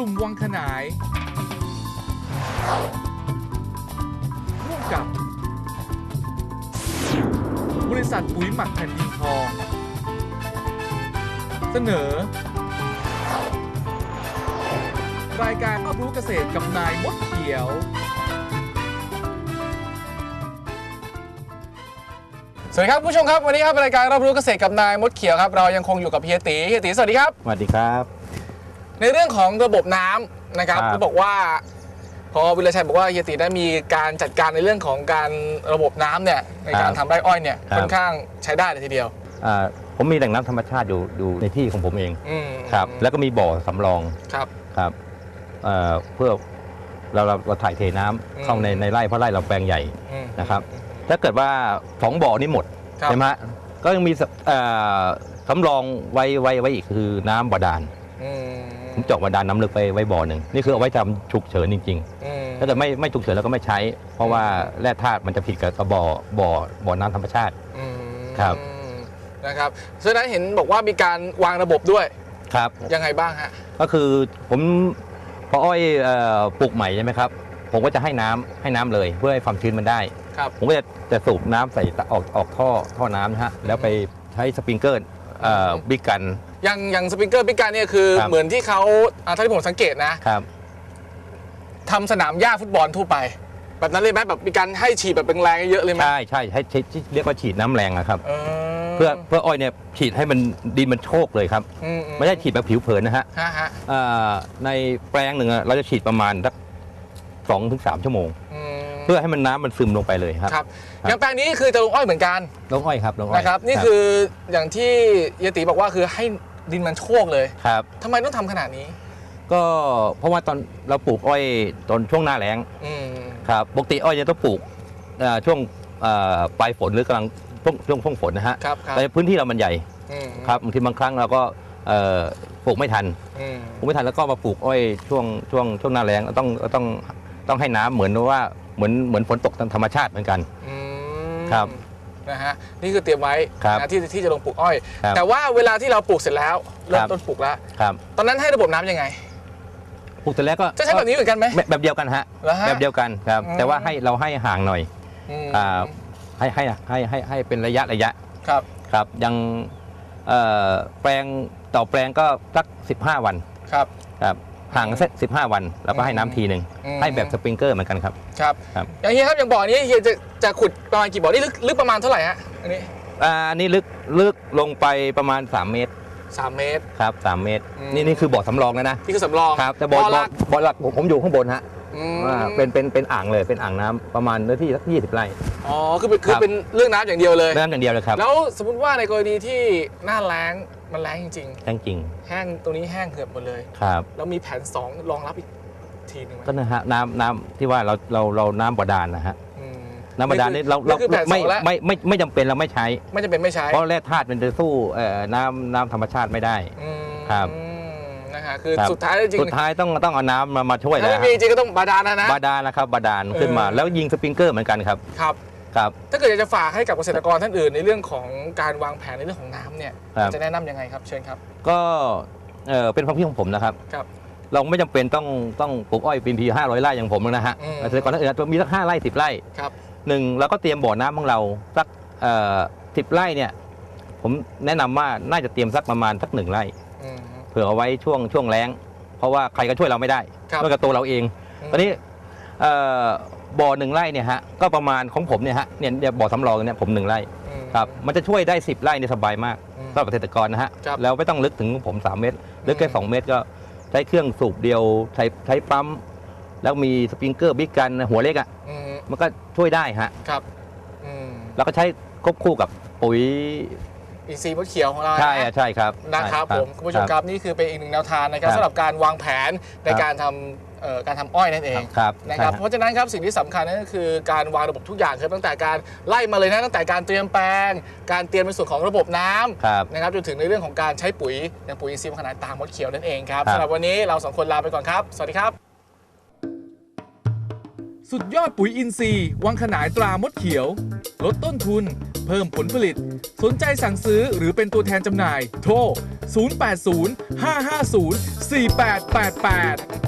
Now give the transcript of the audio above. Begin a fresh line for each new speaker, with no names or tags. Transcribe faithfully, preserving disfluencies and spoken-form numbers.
ลุ่มวังขนายร่วมกับบริษัทปุ๋ยหมักแผ่นดินทองเสนอรายการรอบรู้เกษตรกับนายมดเขียวสวัสดีครับผู้ชมครับวันนี้ครับรายการรอบรู้เกษตรกับนายมดเขียวครับเรายังคงอยู่กับเฮียตีเฮียตีสวัสดีครับ
สวัสดีครับ
ในเรื่องของระบบน้ำนะครับเขาบอกว่าพอวิรชัยบอกว่าเฮียตีได้มีการจัดการในเรื่องของการระบบน้ำเนี่ยในการทำไร่อ้อยเนี่ยค่อนข้างใช้ได้เลยทีเดียว
ผมมีแหล่งน้ำธรรมชาติอยู่อยู่ในที่ของผมเองครับแล้วก็มีบ่อสำรอง
ครับ
ครับเพื่อเราเราถ่ายเทน้ำเข้าในในไร่เพราะไร่เราแปลงใหญ่นะครับถ้าเกิดว่าสองบ่อนี้หมดใช่ไหมก็ยังมีสำรองไว้ไว้ไว้อีกคือน้ำบาดาลผมเจาะบาดาลน้ำลึกไปไว้บ่อหนึ่งนี่คือเอาไว้ทำฉุกเฉินจริงๆถ้าเกิดไม่ไม่ฉุกเฉินแล้วก็ไม่ใช้เพราะว่าแร่ธาตุมันจะผิดกับบ่อบ่อบ่อน้ำธรรมชาติครับ
นะครับฉะนั้นเห็นบอกว่ามีการวางระบบด้วย
ครับ
ยังไงบ้างฮะ
ก็คือผมพออ้อยปลูกใหม่ใช่ไหมครับผมก็จะให้น้ำให้น้ำเลยเพื่อให้ความชื้นมันได้ผมก็จะจะสูบน้ำใส่ออกออกท่อท่อน้ำนะฮะแล้วไปใช้สปริงเกอร์บิ๊กกัน
อย่างอย่างสปริงเกอร์บิ๊กกันเนี่ยคือเหมือนที่เขาถ้าที่ผมสังเกตนะครับทำสนามหญ้าฟุตบอลทั่วไปแบบนั้นเลยไหมแบบมีการให้ฉีดแบบแรงๆเยอะเลยไหม
ใช่ใช่ให้เรียกว่าฉีดน้ำแรงนะครับเพื่อเพื่ออ้อยเนี่ยฉีดให้มันดินมันโชกเลยครับไม่ใช่ฉีดแบบผิวเผินนะฮะในแปลงหนึ่งเราจะฉีดประมาณสักสองถึงสามชั่วโมงเพื่อให้มันน้ำมันซึมลงไปเลยครับ
ครับอย่างแปลงนี้คือจะลงอ้อยเหมือนกัน
ลงอ้อยครับลงอ้อย
นะครับนี่คืออย่างที่เยติบอกว่าคือให้ดินมันโชกเลย
ครับ
ทำไมต้องทำขนาดนี้
ก็เพราะว่าตอนเราปลูกอ้อยตอนช่วงหน้าแล้งครับปกติอ้อยจะต้องปลูกช่วงปลายฝนหรือกำลังช่วงช่วงช่วงฝนนะฮะแต่พื้นที่เรามันใหญ่ครับบางทีบางครั้งเราก็ปลูกไม่ทันปลูกไม่ทันแล้วก็มาปลูกอ้อยช่วงช่วงช่วงหน้าแล้งต้องต้องต้องให้น้ำเหมือนว่าเหมือนเหมือนฝนตกตามธรรมชาติเหมือนกันครับ
นะฮะนี่คือเตรียมไว้นะที่ที่จะลงปลูกอ้อยแต่ว่าเวลาที่เราปลูกเสร็จแล้วเริ่มต้นปลูกแล้วตอนนั้นให้ระบบน้ำยังไง
ปลูกเสร็จแล้วก็
จะใช้แบบนี้เหมือนกันไหม
แบบเดียวกันฮะแบบเดียวกันครับแต่ว่าให้เราให้ห่างหน่อยให้ให้ให้ให้ให้เป็นระยะระยะ
ครับ
ครับยังแปลงต่อแปลงก็สักสิบห้าวัน
ครับ
ครับห่างสักสิบห้าวันแล้วก็ให้น้ำทีหนึ่งให้แบบสปริงเกอร์เหมือนกันครับ
ครับอย่างเฮียครับอย่างบ่อนี้เฮียจะจะขุดประมาณกี่บ่อนี่ลึกลึกประมาณเท่าไหร่ฮะอันนี้
อันนี้ลึกลึกลงไปประมาณสามเมตร
สามเมตร
ครับสามเมตรนี่นี่คือบ่อสำรองแล้วนะ
นี่คือสำรอง
ครับแต่บ่อหลักบ่อหลักผมอยู่ข้างบนฮะเป็นเป็นเป็นอ่างเลยเป็นอ่างน้ำประมาณเนื้อที่สักยี่สิบไร่
อ๋อคือคือเป็นเรื่องน้ำอย่างเดียวเลย
น้ำอย่างเดียวเลยครับ
แล้วสมมติว่าในกรณีที่หน้าแล้งมันแล้งจริง
แห้งจริง
แห้งตรงนี้แห้งเหือดหมดเลย
ครับ
แล้วมีแผนสองรองรับอีกทีนึงไหม
ก็นะฮะน้ำน้ำที่ว่าเราเราเราน้ำบาดาลนะฮะน้ำบาดาลนี่เราเราไม่ไม่ไม่ไม่จำเป็นเราไม่ใช้
ไม่จำเป็นไม่ใช้
เพราะแร่ธาตุมันจะสู้น้ำน้ำธรรมชาติไม่ได้ครับ
นะฮะคือสุดท้ายจริง
สุดท้ายต้องต้องเอาน้ำมามาช่วยแล้ว
ถ้าไม่มีจริงก็ต้องบาดาลนะนะ
บาดาลนะครับบาดาลขึ้นมาแล้วยิงสปริงเกอร์เหมือนกันครับ
ครับ
ครับ
ถ้าเกิดอยากจะฝากให้กับเกษตรกรท่านอื่นในเรื่องของการวางแผนในเรื่องของน้ำเนี่ยจะแนะนำยังไงครับเชิญครับ
ก็เป็นความคิดของผมนะครับเราไม่จำเป็นต้องต้องปลูกอ้อยปีนทีห้าร้อยไร่อย่างผมนะฮะเกษตรกรท่านอื่นมีสักห้าไร่สิบไร่หนึ่งเราก็เตรียมบ่อน้ำของเราสักสิบไร่เนี่ยผมแนะนำว่าน่าจะเตรียมสักประมาณสักหนึ่งไร่เผื่อเอาไว้ช่วงช่วงแล้งเพราะว่าใครก็ช่วยเราไม่ได้นอกจากตัวเราเองตอนนี้บ่อหนึ่งไร่เนี่ยฮะก็ประมาณของผมเนี่ยฮะเนี่ยบ่อสำรองเนี่ยผมหนึ่งไร่ครับมันจะช่วยได้สิบไร่เนี่ยสบายมากสำหรับเกษตรกรนะฮะแล้วไม่ต้องลึกถึงผมสามเมตรลึกแค่สองเมตรก็ใช้เครื่องสูบเดียวใช้ใช้ปั๊มแล้วมีสปริงเกอร์บิ๊กกันหัวเล็กอ่ะมันก็ช่วยได้ฮะ
ครับ
แล้วก็ใช้ควบคู่กับปุ๋ย
อินทรีย์มดเขียวของเรา
ใช่ใช่ครับ
นะครับผมคุณผู้ชมครับนี่คือเป็นอีกหนึ่งแนวทางนะครับสำหรับการวางแผนในการทำการทำอ้อยนั่นเองนะครับเพราะฉะนั้นครับสิ่งที่สำคัญนั่นก็คือการวางระบบทุกอย่างคือตั้งแต่การไล่มาเลยนะตั้งแต่การเตรียมแปลงการเตรียมในส่วนของระบบน้ำนะครับจนถึงในเรื่องของการใช้ปุ๋ยอย่างปุ๋ยอินทรีย์ขนาดตามมดเขียวนั่นเองครับสำหรับวันนี้เราสองคนลาไปก่อนครับสวัสดีครับ
สุดยอดปุ๋ยอินทรีย์วังขนายตรามดเขียวลดต้นทุนเพิ่มผลผลิตสนใจสั่งซื้อหรือเป็นตัวแทนจำหน่ายโทร ศูนย์ แปด ศูนย์ ห้า ห้า ศูนย์ สี่ แปด แปด แปด